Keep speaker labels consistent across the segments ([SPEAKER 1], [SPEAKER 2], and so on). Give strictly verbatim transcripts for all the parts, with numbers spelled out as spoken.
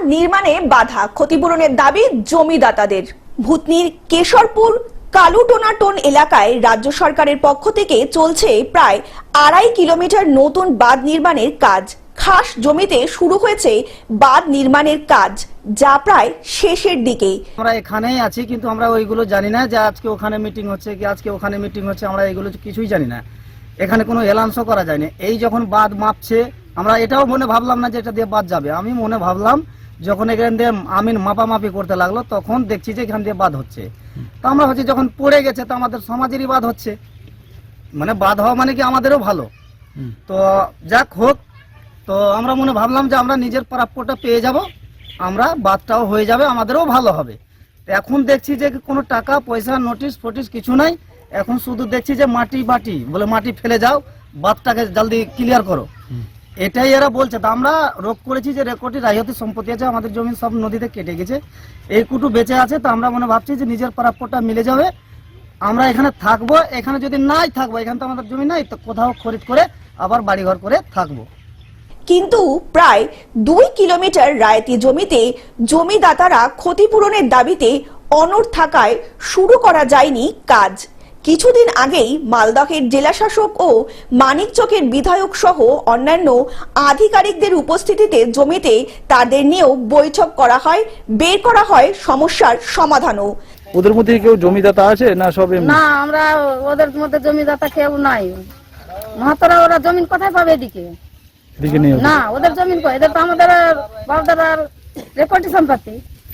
[SPEAKER 1] নির্মাণে বাধা, ক্ষতিপূরণের দাবি জমিদাতাদের। ভূতনির কেশরপুর কালুটোনাটোন এলাকায় রাজ্য সরকারের পক্ষ থেকে চলছে প্রায় আড়াই কিলোমিটার নতুন বাঁধ নির্মাণের কাজ। খাস জমিতে শুরু হয়েছে বাঁধ নির্মাণের কাজ, যা প্রায় শেষের দিকে।
[SPEAKER 2] আমরা এখানেই আছি, কিন্তু আমরা ওইগুলো জানি না যে আজকে ওখানে মিটিং হচ্ছে কি আজকে ওখানে মিটিং হচ্ছে, আমরা এগুলো কিছুই জানি না। এখানে কোনো এলান্সও করা যায়নি। এই যখন বাঁধ মাপছে, আমরা এটাও মনে ভাবলাম না যে এটা দিয়ে বাঁধ যাবে। আমি মনে ভাবলাম যখন এখান দিয়ে আমিন মাপামাপি করতে লাগলো, তখন দেখছি যে এখান দিয়ে বাঁধ হচ্ছে। তো আমরা হচ্ছে যখন পড়ে গেছে, তো আমাদের সমাজেরই বাঁধ হচ্ছে, মানে বাঁধ হওয়া মানে কি আমাদেরও ভালো। তো যাক হোক, তো আমরা মনে ভাবলাম যে আমরা নিজের প্রাপ্যটা পেয়ে যাব, আমরা বাঁধটাও হয়ে যাবে, আমাদেরও ভালো হবে। এখন দেখছি যে কোনো টাকা পয়সা নোটিশ ফোটিস কিছু নাই। এখন শুধু দেখছি যে মাটি বাটি বলে মাটি ফেলে যাও, বাঁধটাকে জলদি ক্লিয়ার করো, এটাই এরা বলছে। তো আমরা রোপ করেছি যে রেকর্ডে রায়তি সম্পত্তি আছে, আমাদের জমি সব নদীতে কেটে গেছে, এই কুটু বেঁচে আছে। তো আমরা মনে ভাবছি যে নিজের প্রাপ্যটা মিলে যাবে, আমরা এখানে থাকবো। এখানে যদি নাই থাকবো, এখানে তো আমাদের জমি নাই, তো কোথাও খরিদ করে আবার বাড়িঘর করে থাকবো।
[SPEAKER 1] কিন্তু প্রায় দুই কিলোমিটার রায়তি জমিতে জমিদাতারা ক্ষতিপূরণের দাবিতে অনড় থাকায় শুরু করা যায়নি কাজ। কিছুদিন আগেই মালদহের জেলাশাসক ও মানিকচকের বিধায়ক সহ অন্যান্য আধিকারিকদের উপস্থিতিতে জমিতে তাদের নিয়েও বৈঠক করা হয়, বের করা হয় সমস্যার সমাধানও।
[SPEAKER 3] ওদের মধ্যে কেউ জমিদাতা আছে না? সব
[SPEAKER 4] না, আমরা ওদের মধ্যে জমিদাতা কেউ নাই। মাহাতরা ওরা জমিন কোথায় পাবে এদিকে?
[SPEAKER 3] এদিকে নেই
[SPEAKER 4] না, ওদের জমিন কই? এদের তো আমাদের বাপদাদার রেকর্ডি সম্পত্তি।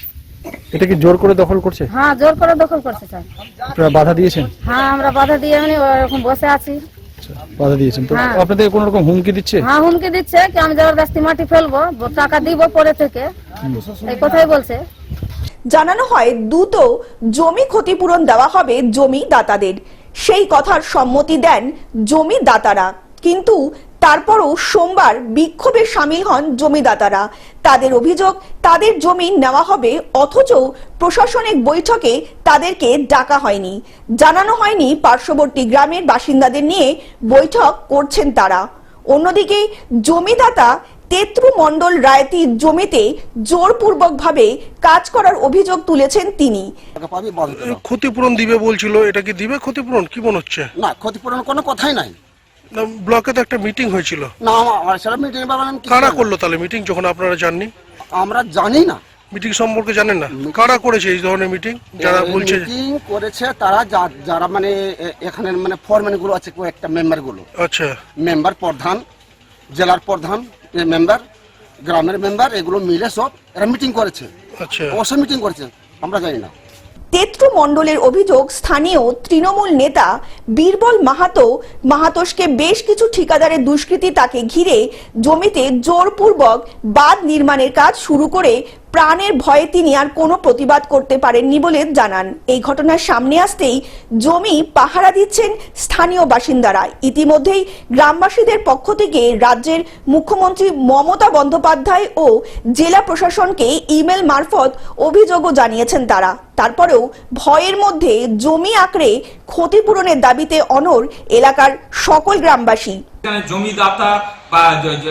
[SPEAKER 3] এটা কি জোর করে দখল করছে?
[SPEAKER 4] হ্যাঁ, জোর করে দখল করছে স্যার।
[SPEAKER 3] আপনারা বাধা দিয়েছেন?
[SPEAKER 4] হ্যাঁ, আমরা বাধা দিয়ে এমনি এরকম বসে আছি।
[SPEAKER 3] বাধা দিয়েছেন তো?
[SPEAKER 4] হ্যাঁ।
[SPEAKER 3] আপনাদের কোনো রকম হুমকি দিচ্ছে?
[SPEAKER 4] হ্যাঁ, হুমকি দিচ্ছে কি আমি জবরদস্তি মাটি ফেলবো, টাকা দিব পরে থেকে, এই কথাই বলছে।
[SPEAKER 1] জানানো হয় দ্রুত জমি ক্ষতিপূরণ দেওয়া হবে জমিদাতাদের। সেই কথার সম্মতি দেন জমিদাতারা, কিন্তু তারপরও সোমবার বিক্ষোভে সামিল হন জমিদাতারা। তাদের অভিযোগ, তাদের জমি নেওয়া হবে, অথচ প্রশাসনিক বৈঠকে তাদেরকে ডাকা হয়নি, জানানো হয়নি পার্শ্ববর্তী গ্রামের বাসিন্দাদের নিয়ে বৈঠক করছেন তারা। অন্যদিকে জমিদাতা তেত্রু মণ্ডল রায়তি জমিতে জোরপূর্বক ভাবে কাজ করার অভিযোগ তুলেছেন তিনি।
[SPEAKER 5] ক্ষতিপূরণ দিবে বলছিল, এটা কি দিবে ক্ষতিপূরণ? কি মনে হচ্ছে?
[SPEAKER 6] না, ক্ষতিপূরণ কোনো কথাই নাই।
[SPEAKER 5] ব্লকে তো একটা মিটিং হয়েছিল।
[SPEAKER 6] না, আমার সারা মিটিং বানান
[SPEAKER 5] কারা করলো তাহলে মিটিং, যখন আপনারা জাননি?
[SPEAKER 6] আমরা জানি না
[SPEAKER 5] মিটিং সম্পর্কে জানেন না? কারা করেছে এই ধরনের মিটিং? যারা বলছে
[SPEAKER 6] মিটিং করেছে তারা, যারা মানে এখানে মানে ফরম্যান গুলো আছে, কয়েকটা মেম্বার গুলো। আচ্ছা, মেম্বার প্রধান, জেলার প্রধান মেম্বার, গ্রামের মেম্বার, এগুলো মিলে সব এরা মিটিং করেছে। আচ্ছা, অবশ্যই মিটিং করেছে, আমরা জানি না।
[SPEAKER 1] তেত্রু মণ্ডলের অভিযোগ, স্থানীয় তৃণমূল নেতা বীরবল মাহাতো মাহাতোসকে বেশ কিছু ঠিকাদারের দুষ্কৃতী তাকে ঘিরে জমিতে জোরপূর্বক বাঁধ নির্মাণের কাজ শুরু করে প্রাণের ভয়ে তিনি আর কোনো প্রতিবাদ করতে পারেননি বলে জানান। এই ঘটনার সামনে আসতেই জমি পাহারা দিচ্ছেন স্থানীয় বাসিন্দারা। ইতিমধ্যেই গ্রামবাসীদের পক্ষ থেকে রাজ্যের মুখ্যমন্ত্রী মমতা বন্দ্যোপাধ্যায় ও জেলা প্রশাসনকে ইমেল মারফত অভিযোগও জানিয়েছেন তারা। তারপরেও ভয়ের মধ্যে জমি আঁকড়ে ক্ষতিপূরণের দাবিতে অনড় এলাকার সকল গ্রামবাসী।
[SPEAKER 7] জমিদাতা বা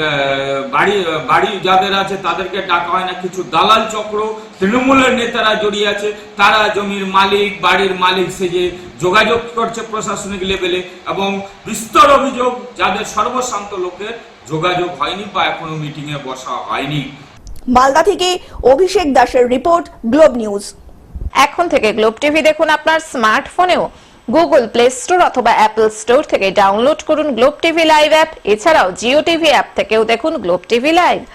[SPEAKER 7] বাড়ি বাড়ি যাদের আছে তাদেরকে ডাকা হয় না, কিছু দালাল চক্র তৃণমূলের নেতারা জড়িয়ে আছে, তারা জমির মালিক বাড়ির মালিক সেজে যোগাযোগ করছে প্রশাসনিক লেভেলে, এবং বিস্তর অভিযোগ যাদের সর্বশান্ত লোকের যোগাযোগ হয়নি বা এখনো মিটিং এ বসা হয়নি।
[SPEAKER 1] মালদা থেকে অভিষেক দাসের রিপোর্ট, গ্লোব নিউজ।
[SPEAKER 8] এখন থেকে গ্লোব টিভি দেখুন আপনার স্মার্টফোনেও। গুগল প্লে স্টোর অথবা অ্যাপল স্টোর থেকে ডাউনলোড করুন গ্লোব টিভি লাইভ অ্যাপ। এছাড়াও জিও টিভি অ্যাপ থেকেও দেখুন গ্লোব টিভি লাইভ।